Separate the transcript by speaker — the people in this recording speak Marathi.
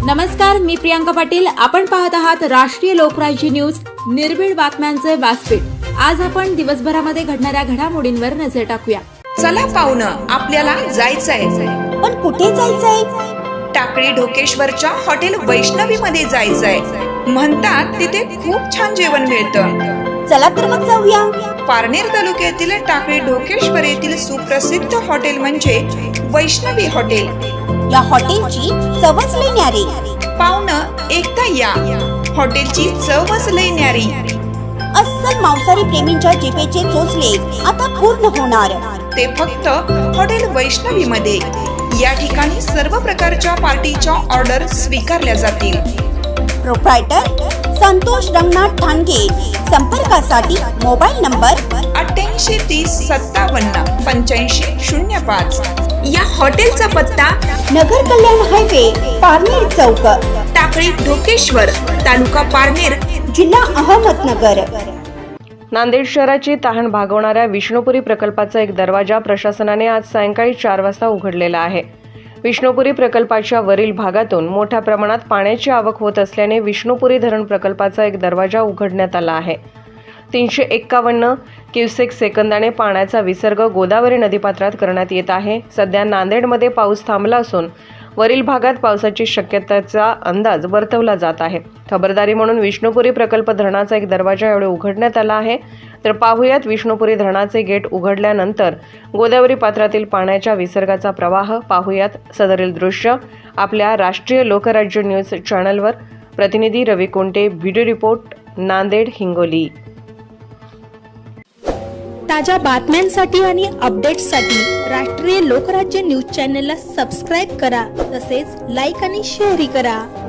Speaker 1: नमस्कार, मी प्रियांका पाटील. आपण पाहत आहात राष्ट्रीय लोकराज्य न्यूज, निर्भीड बातम्यांचे व्यासपीठ. आज आपण दिवसभरामध्ये घडणाऱ्या घडामोडींवर नजर टाकूया.
Speaker 2: चला पाहुणं, आपल्याला जायचंय.
Speaker 3: पण कुठे जायचंय?
Speaker 2: टाकळी ढोकेश्वरच्या हॉटेल वैष्णवी मध्ये जायचंय. म्हणतात तिथे खूप छान जेवण मिळतं.
Speaker 3: चला तर मग जाऊया.
Speaker 2: पारनेर तालुक्यातील टाकळी ढोकेश्वर येथील सुप्रसिद्ध हॉटेल म्हणजे वैष्णवी हॉटेल.
Speaker 3: या हॉटेलची चवच लई न्यारी.
Speaker 2: पाहुणं, एकदा या. हॉटेलची चवच लई न्यारी.
Speaker 3: अस्सल मांसाहारी प्रेमींच्या जिभेचे चोचले आता पूर्ण होणार.
Speaker 2: ते फक्त हॉटेल वैष्णवी मध्ये. या ठिकाणी सर्व प्रकारच्या पार्टीच्या ऑर्डर स्वीकारल्या जातील.
Speaker 3: प्रोप्रायटर संतोष रंगनाथ ठाणगे. संपर्कासाठी मोबाईल नंबर
Speaker 2: 8830578505. या हॉटेलचा पत्ता
Speaker 3: नगर कल्याण हायवे, पारनेर चौक,
Speaker 2: टाकळी ढोकेश्वर, तालुका पारनेर,
Speaker 3: जिल्हा अहमदनगर.
Speaker 4: नांदेड शहराची तहान भागवणाऱ्या विष्णुपुरी प्रकल्पाचा एक दरवाजा प्रशासनाने आज सायंकाळी 4 वाजता उघडलेला आहे. विष्णुपुरी प्रकल्पाच्या वरील भागातून मोठ्या प्रमाणात पाण्याची आवक होत असल्याने विष्णुपुरी धरण प्रकल्पाचा एक दरवाजा उघडण्यात आला आहे. 351 क्युसेक सेकंदाने पाण्याचा विसर्ग गोदावरी नदीपात्रात करण्यात येत आहे. सध्या नांदेडमध्ये पाऊस थांबला असून वरील भागात पावसाची शक्यतेचा अंदाज वर्तवला जात आहे. खबरदारी म्हणून विष्णुपुरी प्रकल्प धरणाचा एक दरवाजा यावेळी उघडण्यात आला आहे. तर पाहूयात विष्णुपुरी धरणाचे गेट उघडल्यानंतर गोदावरी पात्रातील पाण्याच्या विसर्गाचा प्रवाह. पाहूयात सदरील दृश्य आपल्या राष्ट्रीय लोकराज्य न्यूज चॅनलवर. प्रतिनिधी रवी कोंटे, व्हिडिओ रिपोर्ट, नांदेड, हिंगोली.
Speaker 5: ताज्या बातम्यांसाठी आणि अपडेट्ससाठी राष्ट्रीय लोकराज्य न्यूज चॅनलला सबस्क्राईब करा. तसेच लाईक आणि शेअरही करा.